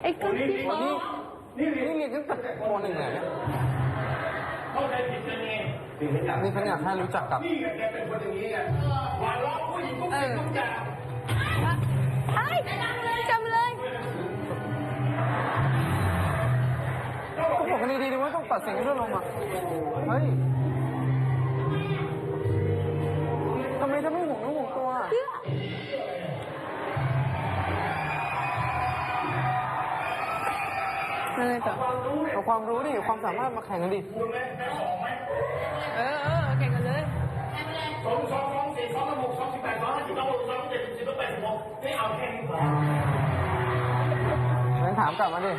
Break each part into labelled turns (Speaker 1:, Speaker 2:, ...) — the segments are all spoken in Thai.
Speaker 1: อ้ก็ที่ฟ้อง
Speaker 2: นี่เรียนตั้งแต่ป .1 เลยเนี่ย
Speaker 3: เข้าใจผิดกันเอง
Speaker 2: นี่ฉันอยากให้รู้จักกับ
Speaker 3: นี่ไงแกเป็นคนอย่างนี้ไงหวานล้อมผู้หญิงทุกสิ่งทุกอย่าง
Speaker 1: ใช่จำเลย
Speaker 2: ก็บอกกันดีๆว่าต้องตัดสินกันด้วยลมอ่ะเฮ้ยทำไมเธอไม่ห่วงน้องห่วงตัว
Speaker 1: เพื่ออะไรต่อ
Speaker 2: เอาความรู้ดิความสามารถมาแข่งกันดิ
Speaker 1: แข่งกันเลย
Speaker 2: งั้นถามกลับมาดิ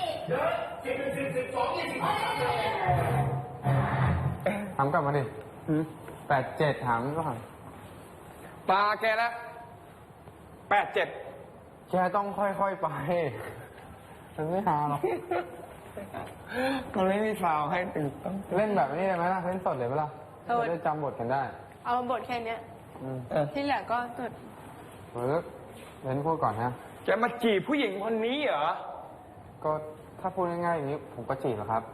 Speaker 2: ถามกลับมาดิ87ถามก่อน
Speaker 4: ตาแกแล้ว87
Speaker 2: แกต้องค่อยๆไปมันไม่หาหรอก
Speaker 4: มันไม่มีฟาวให้ตึงต้อง
Speaker 2: เล่นแบบนี้ได้ไหมล่ะเล่นสดเลยไหมล่ะจะได้จำบทกันได้
Speaker 1: เอาบทแค่เนี้ย ที่เหลือก็จด
Speaker 2: เล่นพูดก่อนนะ
Speaker 4: แกมาจีบผู้หญิงคนนี้เหรอ
Speaker 2: ก็ถ้าพูดง่ายๆอย่างนี้ผมก็จีบแล้วครับ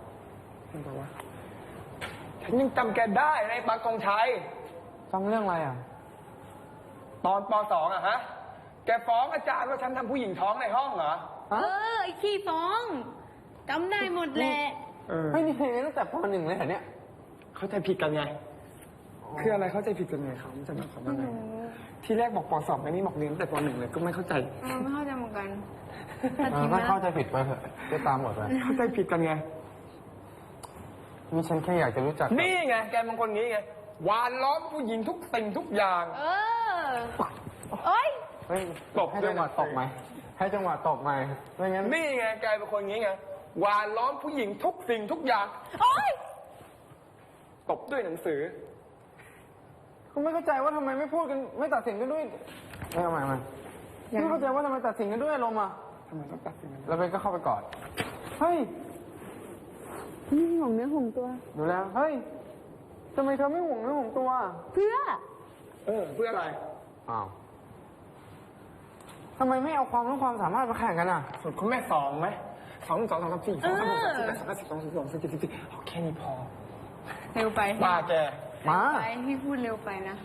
Speaker 4: ฉันยังจำแกได้ในปักกองชัย
Speaker 2: จำเรื่องอะไรอ่ะ
Speaker 4: ตอนป .2 อะฮะ แกฟ้องอาจารย์ว่าฉันทำผู้หญิงท้องในห้องเหรอ
Speaker 1: ไอ้ขี้ฟ้องจำได้หมดแหละ
Speaker 2: ไม่มีเพลงตั้งแต่ป .1 เลยเหรอเนี่ย
Speaker 4: เข้าใจผิดกันไง คืออะไรเข้าใจผิดกันไงเขาจะมาขอมาไงที่แรกบอกป .2 ไอ้นี่บอกเรียนตั้งแต่ป .1 เลยก็ไม่เข้าใจ
Speaker 1: ไม่เข้าใจเหมือนกัน
Speaker 2: ถ้าเข้าใจผิดไปเถอะก็ตามหมดไป
Speaker 4: เข้าใจผิดกันไง
Speaker 2: นี่ฉันแค่อยากจะรู้จัก
Speaker 4: นี่ไงแกเป็นคนนี้ไงหวานล้อมผู้หญิงทุกสิ่งทุกอย่าง
Speaker 1: เอ้ย
Speaker 2: เฮ้ย
Speaker 4: ตบ
Speaker 2: ให้
Speaker 4: ด้วย
Speaker 2: จังหวะตกไหมให้จังหวะตกไหมไม่งั้น
Speaker 4: นี่ไงแกเป็นคนนี้ไงหวานล้อมผู้หญิงทุกสิ่งทุกอย่าง
Speaker 1: โอ้ย
Speaker 4: ตบด้วยหนังสือ
Speaker 2: คุณไม่เข้าใจว่าทำไมไม่พูดกันไม่ตัดสินกันด้วยไม่เอาใหม่ไม่เข้าใจว่าทำไมตัดสินกันด้วยอารมณ์อ่ะ
Speaker 4: ทำไมต้องตัดสินกัน
Speaker 2: แล้วเบนก็เข้าไปกอดเฮ้ย
Speaker 1: นี่ห่วงเนื้อห่วงตัว
Speaker 2: ดูแล้วเฮ้ยทำไมเธอไม่ห่วงเนื้อห่วงตัว
Speaker 1: เพื่อ
Speaker 4: เพื่ออะไร
Speaker 2: อ้าวทำไมไม่เอาความรู้ความสามารถมาแข่งกันอ่ะ
Speaker 4: ส่วนคุณแม่สองไหม2 2 3 4 2 5 6 7 8 2 5 10 2 12 2 13 14เอาแค่นี้พอ
Speaker 1: เร็วไป
Speaker 4: ป้าแก
Speaker 2: มา
Speaker 1: ไปพี่พูดเร็วไปนะ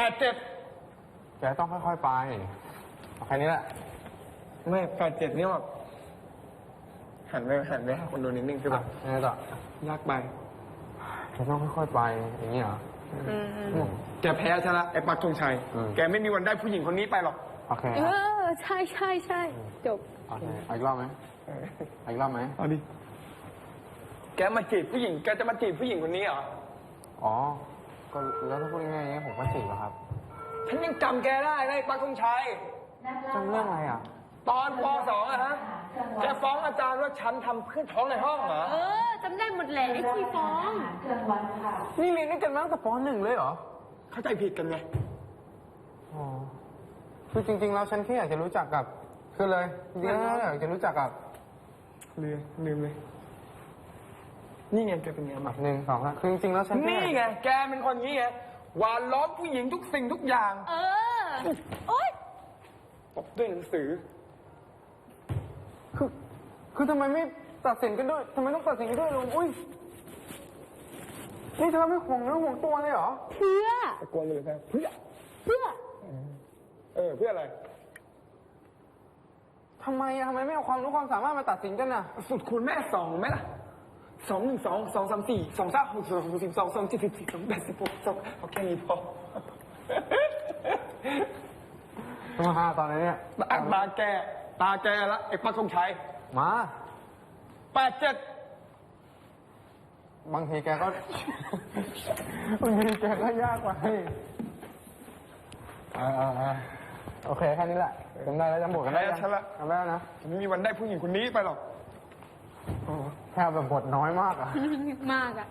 Speaker 4: 87
Speaker 2: แกต้องค่อยๆไปเอาแค่นี้แหละ
Speaker 4: ไม่87เนี่ยแบบหันไปหาคนดูนิดนึงคือแบบ
Speaker 2: ยังไงต่อย
Speaker 4: ากไป
Speaker 2: แกต้องค่อยๆไปอย่างนี้เหรอ
Speaker 4: แกแพ้ใช่ละไอ้ปักธงชัย แกไม่มีวันได้ผู้หญิงคนนี้ไปหรอก
Speaker 2: โอเค
Speaker 1: ใช่จบ
Speaker 2: โอเคเอาอีกรอบไหมเอาอีกรอบไหม
Speaker 4: เอาดิ แกมาจีบผู้หญิง แกจะมาจีบผู้หญิงคนนี้เหรอ
Speaker 2: อ๋อก็แล้วถ้าพูดง่ายๆอย่างนี้ผมก็จีบแล้วครับ
Speaker 4: ฉันยังจำแกได้นะไอ้ปักธงชัย
Speaker 2: จำเรื่องอะไรอ่ะ
Speaker 4: ตอนป .2 อะฮะ แกฟ้องอาจารย์ว่าฉันทำเพื่อนท้องในห้องเหรอ
Speaker 1: จำได้หมดแหละไอ้ขี้ฟ้อง
Speaker 2: นี่เรียนด้วยกันมาตั้งแต่ป .1 เลยเหรอ
Speaker 4: เข้าใจผิดกันไง
Speaker 2: อ๋อคือจริงๆแล้วฉันแค่อยากจะรู้จักกับคือเลยจริงๆแล้วอยากจะรู้จักกับ
Speaker 4: ลืมเลย นี่ไงแกเป็นไงมา
Speaker 2: 1 2 3คือจริงๆแล้วฉันแค่
Speaker 4: นี่ไง แกเป็นคนนี้ไงหวานล้อมผู้หญิงทุกสิ่งทุกอย่าง
Speaker 1: โอ๊ย
Speaker 4: ตบด้วยหนังสือ
Speaker 2: คือทำไมไม่ตัดสินกันด้วยทำไมต้องตัดสินกันด้วยลุงอุ้ยนี่เธอไม่ห่วงเนื้อห่วงตัวเลยเหรอ
Speaker 1: เพื่อ
Speaker 4: ตะโกนเลยนะเพื่อ
Speaker 1: เพื่อ
Speaker 4: เพื่ออะไร
Speaker 2: ทำไมไม่เอาความรู้ความสามารถมาตัดสินกันน่ะ
Speaker 4: สุดคูณแม่2ไหมล่ะ2 1 2 2 3 4 2 3 6 2 6 12 2 7 14 2 8 16 2เอาแค่นี้พอ
Speaker 2: มาตอนนี้เนี่ย
Speaker 4: ตาแกละไอ้ปักธงชัย
Speaker 2: มา
Speaker 4: 87
Speaker 2: บางทีแกก็ บางทีแกก็ยากกว่าให้โอเคแค่นี้แหละจำได้แล้วจำบทกันได้ยังจำได้แล้วนะ
Speaker 4: ฉันไม่มีวันได้ผู้หญิงคนนี้ไปหรอก
Speaker 2: แค่แบบบทน้อยมากอ่ะ
Speaker 1: มากอ่ะ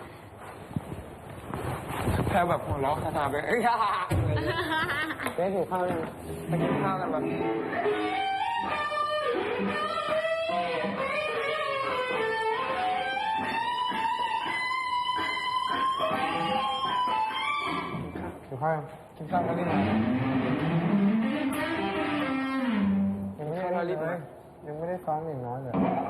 Speaker 4: แค่แบบหัวเราะคาถาไปเอ้ย
Speaker 2: เจ๊ถือข้าวยัง
Speaker 4: ไปกินข้าวกันแบบ
Speaker 2: ถือข้าวยัง
Speaker 4: กินข้าวกันได้ไหมยังไม่ได้รีบเลย
Speaker 2: ยังไม่ได้ซ้อมอย่างน้อยเลย